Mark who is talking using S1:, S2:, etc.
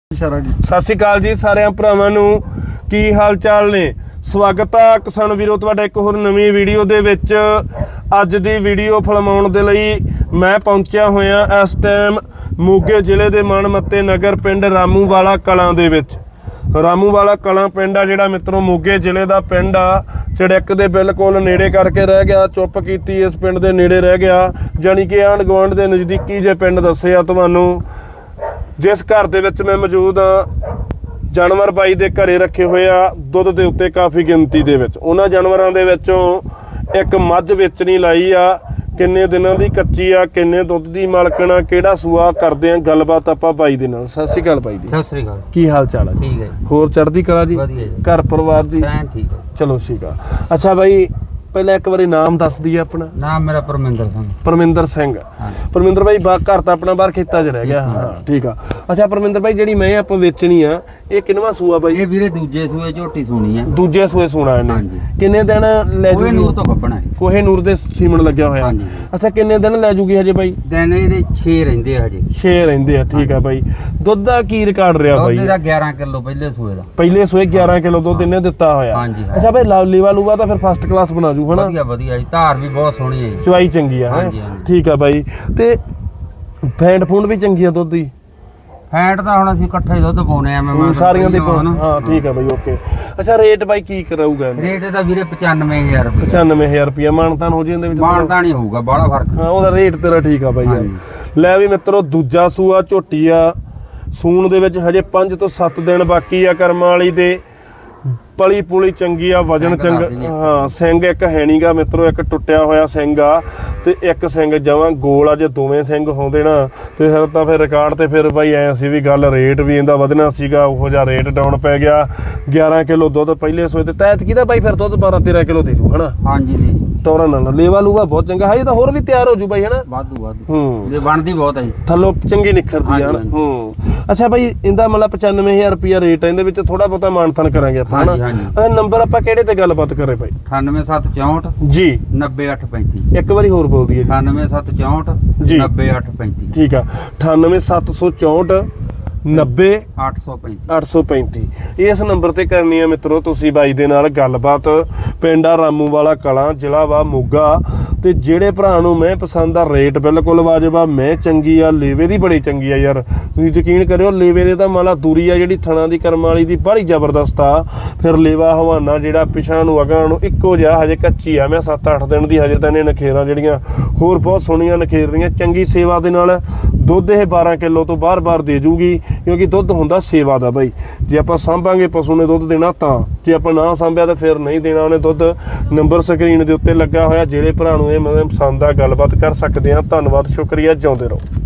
S1: ਸਤਿ ਸ਼੍ਰੀ ਅਕਾਲ ਜੀ ਸਾਰਿਆਂ ਭਰਾਵਾਂ ਨੂੰ, ਕੀ ਹਾਲ ਚਾਲ ਨੇ। ਸਵਾਗਤ ਆ ਕਿਸਾਨ ਵੀਰੋ ਤੁਹਾਡਾ ਇੱਕ ਹੋਰ ਨਵੀਂ ਵੀਡੀਓ ਦੇ ਵਿੱਚ। ਅੱਜ ਦੀ ਵੀਡੀਓ ਫਿਲਮਾਉਣ ਦੇ ਲਈ ਮੈਂ ਪਹੁੰਚਿਆ ਹੋਇਆ ਇਸ ਟਾਈਮ ਮੋਗੇ ਜ਼ਿਲ੍ਹੇ ਦੇ ਮਨਮੱਤੇ ਨਗਰ ਪਿੰਡ ਰਾਮੂਵਾਲਾ ਕਲਾਂ ਦੇ ਵਿੱਚ। ਰਾਮੂਵਾਲਾ ਕਲਾਂ ਪਿੰਡ ਆ ਜਿਹੜਾ ਮਿੱਤਰੋ ਮੋਗੇ ਜ਼ਿਲ੍ਹੇ ਦਾ ਪਿੰਡ ਆ। ਚੜਿੱਕ ਦੇ ਬਿਲਕੁਲ ਨੇੜੇ ਕਰਕੇ ਰਹਿ ਗਿਆ, ਚੁੱਪ ਕੀਤੀ ਇਸ ਪਿੰਡ ਦੇ ਨੇੜੇ ਰਹਿ ਗਿਆ, ਜਾਣੀ ਕਿ ਆਂਢ ਗੁਆਂਢ ਦੇ ਨਜ਼ਦੀਕੀ ਜੇ ਪਿੰਡ ਦੱਸਿਆ ਤੁਹਾਨੂੰ। ਜਿਸ ਘਰ ਦੇ ਵਿੱਚ ਮੈਂ ਮੌਜੂਦ ਹਾਂ, ਜਾਨਵਰ ਬਾਈ ਦੇ ਘਰੇ ਰੱਖੇ ਹੋਏ ਆ ਦੁੱਧ ਦੇ ਉੱਤੇ ਕਾਫੀ ਗਿਣਤੀ ਦੇ ਵਿੱਚ। ਉਹਨਾਂ ਜਾਨਵਰਾਂ ਦੇ ਵਿੱਚੋਂ ਇੱਕ ਮੱਝ ਵੇਚਣੀ ਲਾਈ ਆ, ਕਿੰਨੇ ਦਿਨਾਂ ਦੀ ਕੱਚੀ ਆ, ਕਿੰਨੇ ਦੁੱਧ ਦੀ ਮਾਲਕਣ ਆ, ਕਿਹੜਾ ਸੂਆ, ਕਰਦੇ ਆ ਗੱਲਬਾਤ ਆਪਾਂ ਬਾਈ ਦੇ ਨਾਲ। ਸਤਿ ਸ਼੍ਰੀ ਅਕਾਲ ਬਾਈ ਜੀ।
S2: ਸਤਿ ਸ਼੍ਰੀ ਅਕਾਲ।
S1: ਕੀ ਹਾਲ ਚਾਲ ਹੈ?
S2: ਠੀਕ ਹੈ।
S1: ਹੋਰ ਚੜ੍ਹਦੀ ਕਲਾ ਜੀ?
S2: ਵਧੀਆ ਜੀ।
S1: ਘਰ ਪਰਿਵਾਰ ਦੀ
S2: ਠੀਕ ਹੈ।
S1: ਚਲੋ ਠੀਕ ਆ। ਅੱਛਾ ਬਾਈ, ਪਹਿਲਾਂ ਇੱਕ ਵਾਰੀ ਨਾਮ ਦੱਸ ਦਈਏ ਆਪਣਾ।
S2: ਨਾਮ ਮੇਰਾ ਪਰਮਿੰਦਰ ਸਿੰਘ।
S1: ਪਰਮਿੰਦਰ ਸਿੰਘ। ਪਰਮਿੰਦਰ ਬਾਈ ਘਰ ਤਾਂ ਆਪਣਾ ਬਾਹਰ ਖੇਤਾਂ 'ਚ ਰਹਿ ਗਿਆ। ਹਾਂ ਠੀਕ ਆ। ਅੱਛਾ ਪਰਮਿੰਦਰ ਬਾਈ, ਜਿਹੜੀ ਮੈਂ ਆਪਾਂ ਵੇਚਣੀ ਆ ਇਹ ਕਿੰਨਵਾਂ ਸੂਆ ਬਾਈ?
S2: ਇਹ ਵੀਰੇ ਦੂਜੇ ਸੂਏ ਝੋਟੀ ਸੂਣੀ ਆ।
S1: ਦੂਜੇ ਸੂਏ ਸੂਣਾ ਇਹਨੇ।
S2: ਹਾਂਜੀ।
S1: ਕਿੰਨੇ ਦਿਨ ਲੈ ਜੂਗੀ?
S2: ਕੋਹੇ ਨੂਰ ਤੋਂ ਗੱਭਣਾ ਹੈ।
S1: ਕੋਹੇ ਨੂਰ ਦੇ ਸੀਮਨ ਲੱਗਿਆ ਹੋਇਆ।
S2: ਹਾਂਜੀ।
S1: ਅੱਛਾ ਕਿੰਨੇ ਦਿਨ ਲੈ ਜੂਗੀ ਹਜੇ ਬਾਈ?
S2: ਦਿਨ ਇਹਦੇ 6 ਰਹਿੰਦੇ ਆ ਹਜੇ।
S1: 6 ਰਹਿੰਦੇ ਆ। ਠੀਕ ਆ ਬਾਈ। ਦੁੱਧ ਦਾ ਕੀ ਰਿਕਾਰਡ ਰਿਹਾ ਬਾਈ?
S2: ਦੁੱਧ ਦਾ 11 ਕਿਲੋ ਪਹਿਲੇ ਸੂਏ ਦਾ।
S1: ਪਹਿਲੇ ਸੂਏ 11 ਕਿਲੋ ਦੁੱਧ ਇਹਨੇ ਦਿੱਤਾ ਹੋਇਆ।
S2: ਹਾਂਜੀ।
S1: ਅੱਛਾ ਬਾਈ ਲੀਵਾ ਲੂਵਾ ਤਾਂ ਫਿਰ ਫਸਟ ਕਲਾਸ ਬਣਾ ਜੂ ਹਨਾ?
S2: ਵਧੀਆ ਵਧੀਆ ਜੀ, ਧਾਰ ਵੀ ਬਹੁਤ ਸੋਹਣੀ ਹੈ ਜੀ।
S1: ਚਵਾਈ ਚੰਗੀ ਆ।
S2: ਹਾਂਜੀ।
S1: ਠੀਕ ਆ ਬਾਈ। ਤੇ ਫੈਂਟ ਫੂੰਡ ਵੀ ਚੰਗੀ ਆ ਦੁੱਧ ਦੀ?
S2: ਫੈਟ ਤਾਂ ਹੁਣ ਅਸੀਂ ਇਕੱਠਾ ਹੀ ਦੁੱਧ ਪਾਉਣੇ ਆ। ਮੈਂ
S1: ਸਾਰੀਆਂ ਦੇ ਹਾਂ ਠੀਕ ਆ ਬਾਈ, ਓਕੇ। ਅੱਛਾ ਰੇਟ ਬਾਈ ਕੀ ਕਰਾਊਗਾ?
S2: ਰੇਟ ਇਹਦਾ ਵੀਰੇ 95,000 ਰੁਪਏ।
S1: 95,000 ਰੁਪਇਆ ਮਾਨਤਾਨ ਹੋ ਜਾਂਦੇ ਵਿੱਚ?
S2: ਮਾਨਤਾਨ ਹੀ ਹੋਊਗਾ, ਬਾਹਲਾ ਫਰਕ।
S1: ਹਾਂ ਉਹਦਾ ਰੇਟ ਤੇਰਾ ਠੀਕ ਆ ਬਾਈ ਯਾਰ। ਲੈ ਵੀ ਮਿੱਤਰੋ, ਦੂਜਾ ਸੂਆ ਝੋਟੀ ਆ, ਸੂਣ ਦੇ ਵਿੱਚ ਹਜੇ 5 ਤੋਂ 7 ਦਿਨ ਬਾਕੀ ਆ ਕਰਮਾਂ ਵਾਲੀ ਦੇ। ਪਲੀ ਪੁਲੀ ਚੰਗੀ ਆ, ਵਜਨ ਚੰਗਾ। ਹਾਂ ਸਿੰਘ ਇੱਕ ਹੈ ਨੀਗਾ ਮਿੱਤਰੋ, ਇੱਕ ਟੁੱਟਿਆ ਹੋਇਆ ਸਿੰਘ ਆ ਤੇ ਇੱਕ ਸਿੰਘ ਜਮਾਂ ਗੋਲ ਆ। ਜੇ ਦੋਵੇਂ ਸਿੰਘ ਹੁੰਦੇ ਨਾ ਤੇ ਫਿਰ ਤਾਂ ਫਿਰ ਰਿਕਾਰਡ ਤੇ ਫਿਰ ਬਾਈ ਐ ਸੀ ਵੀ ਗੱਲ ਰੇਟ ਵੀ ਇਹਦਾ ਵਧਣਾ ਸੀਗਾ, ਉਹੋ ਜਿਹਾ ਰੇਟ ਡਾਊਨ ਪੈ ਗਿਆ। 11 ਕਿਲੋ ਦੁੱਧ ਪਹਿਲੇ ਸੋਏ ਤੇ ਤੈਤ ਕਿਹਦਾ ਬਾਈ ਫਿਰ ਦੁੱਧ 12-13 ਕਿਲੋ ਦੇ ਜੂ ਹਨਾ?
S2: ਹਾਂਜੀ ਜੀ।
S1: ਟੋਰਾ ਨਾਲ ਲੇਵਾ ਲੂਵਾ ਬਹੁਤ ਚੰਗਾ। ਹਜੇ ਤਾਂ ਹੋਰ ਵੀ ਤਿਆਰ ਹੋ ਜੂ ਬਾਈ ਹਨਾ?
S2: ਵਾਧੂ ਵਾਧੂ। ਇਹ ਬਣਦੀ ਬਹੁਤ ਹੈ ਜੀ,
S1: ਥੱਲੋਂ ਚੰਗੀ ਨਿਖਰਦੀ ਆ ਹਨਾ? ਅੱਛਾ ਬਾਈ, ਇਹਦਾ ਮਤਲਬ 95,000 ਰੁਪਇਆ ਰੇਟ ਹੈ, ਇਹਦੇ ਵਿੱਚ ਥੋੜਾ ਬਹੁਤਾ ਮਾਨਤਾਨ ਕਰਾਂਗੇ ਆਪਾਂ ਹਨਾ? ਨੰਬਰ ਆਪਾਂ ਕਿਹੜੇ ਤੇ ਗੱਲਬਾਤ ਕਰੇ ਬਾਈ?
S2: 98,764
S1: ਜੀ
S2: 90835।
S1: ਇੱਕ ਵਾਰੀ ਹੋਰ ਬੋਲ ਦਈਏ।
S2: 98,764
S1: ਜੀ
S2: 90835।
S1: ਠੀਕ ਆ। 98,764
S2: 90835।
S1: 835 ਇਸ ਨੰਬਰ ਤੇ ਕਰਨੀ ਆ ਮਿੱਤਰੋ ਤੁਸੀਂ ਬਾਈ ਦੇ ਨਾਲ ਗੱਲਬਾਤ। ਪਿੰਡ ਆ ਰਾਮੂਵਾਲਾ ਕਲਾਂ, ਜ਼ਿਲ੍ਹਾ ਵਾ ਮੋਗਾ। ਤੇ ਜਿਹੜੇ ਭਰਾ ਨੂੰ ਮੈਂ ਪਸੰਦ ਆ, ਰੇਟ ਬਿਲਕੁਲ ਵਾਜਬ ਆ, ਮੈਂ ਚੰਗੀ ਆ, ਲੇਵੇ ਦੀ ਬੜੀ ਚੰਗੀ ਆ ਯਾਰ। ਤੁਸੀਂ ਯਕੀਨ ਕਰਿਓ, ਲੇਵੇ ਦੇ ਤਾਂ ਮਾਲਾ ਦੂਰੀ ਆ ਜਿਹੜੀ ਥਣਾ ਦੀ ਕਰਮ ਵਾਲੀ ਦੀ ਬੜੀ ਜ਼ਬਰਦਸਤ ਆ। ਫਿਰ ਲੇਵਾ ਹਵਾਨਾ ਜਿਹੜਾ ਪਿਛਾਂ ਨੂੰ ਅਗਾਂ ਨੂੰ ਇੱਕੋ ਜਿਹਾ, ਹਜੇ ਕੱਚੀ ਆ। ਮੈਂ 7-8 ਦਿਨ ਦੀ ਹਜੇ ਤਾਂ ਇਹਨੇ ਨਖੇਰਾਂ ਜਿਹੜੀਆਂ ਹੋਰ ਬਹੁਤ ਸੋਹਣੀਆਂ ਨਖੇਰ ਰਹੀਆਂ। ਚੰਗੀ ਸੇਵਾ ਦੇ ਨਾਲ ਦੁੱਧ ਇਹ 12 ਕਿਲੋ ਤੋਂ ਬਾਰ-ਬਾਰ ਦੇ ਜੂਗੀ, ਕਿਉਂਕਿ ਦੁੱਧ ਹੁੰਦਾ ਸੇਵਾ ਦਾ ਬਾਈ। ਜੇ ਆਪਾਂ ਸਾਂਭਾਂਗੇ ਪਸ਼ੂ ਨੇ ਦੁੱਧ ਦੇਣਾ ਤਾਂ, ਜੇ ਆਪਾਂ ਨਾ ਸਾਂਭਿਆ ਤਾਂ ਫਿਰ ਨਹੀਂ ਦੇਣਾ ਉਹਨੇ ਦੁੱਧ। ਨੰਬਰ ਸਕਰੀਨ ਦੇ ਉੱਤੇ ਲੱਗਾ ਹੋਇਆ, ਜਿਹੜੇ ਭਰਾ ਨੂੰ ਇਹ ਪਸੰਦ ਆ ਗੱਲਬਾਤ ਕਰ ਸਕਦੇ ਆ। ਧੰਨਵਾਦ, ਸ਼ੁਕਰੀਆ, ਜਿਉਂਦੇ ਰਹੋ।